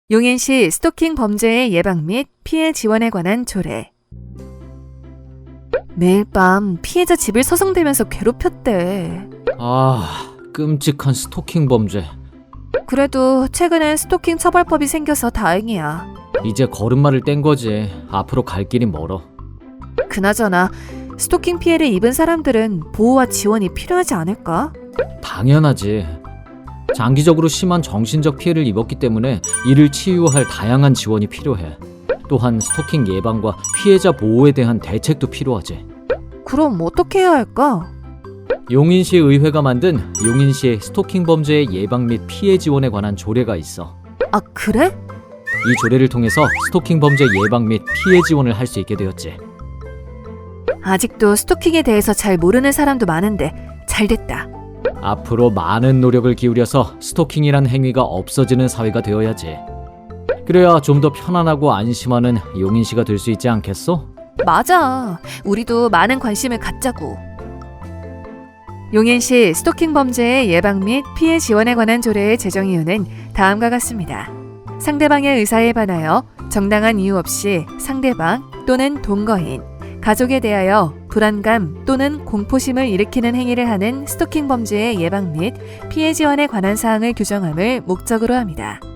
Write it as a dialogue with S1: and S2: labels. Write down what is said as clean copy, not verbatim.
S1: 용인시 스토킹 범죄의 예방 및 피해 지원에 관한 조례. 매일 밤 피해자 집을 서성대면서 괴롭혔대.
S2: 끔찍한 스토킹 범죄.
S1: 그래도 최근엔 스토킹 처벌법이 생겨서 다행이야.
S2: 이제 걸음마를 뗀 거지. 앞으로 갈 길이 멀어.
S1: 그나저나 스토킹 피해를 입은 사람들은 보호와 지원이 필요하지 않을까?
S2: 당연하지. 장기적으로 심한 정신적 피해를 입었기 때문에 이를 치유할 다양한 지원이 필요해. 또한 스토킹 예방과 피해자 보호에 대한 대책도 필요하지.
S1: 그럼 어떻게 해야 할까?
S2: 용인시 의회가 만든 용인시 스토킹 범죄의 예방 및 피해 지원에 관한 조례가 있어.
S1: 아, 그래?
S2: 이 조례를 통해서 스토킹 범죄 예방 및 피해 지원을 할 수 있게 되었지.
S1: 아직도 스토킹에 대해서 잘 모르는 사람도 많은데 잘 됐다.
S2: 앞으로 많은 노력을 기울여서 스토킹이란 행위가 없어지는 사회가 되어야지. 그래야 좀 더 편안하고 안심하는 용인시가 될 수 있지 않겠어?
S1: 맞아. 우리도 많은 관심을 갖자고. 용인시 스토킹 범죄의 예방 및 피해 지원에 관한 조례의 제정 이유는 다음과 같습니다. 상대방의 의사에 반하여 정당한 이유 없이 상대방 또는 동거인, 가족에 대하여 불안감 또는 공포심을 일으키는 행위를 하는 스토킹 범죄의 예방 및 피해 지원에 관한 사항을 규정함을 목적으로 합니다.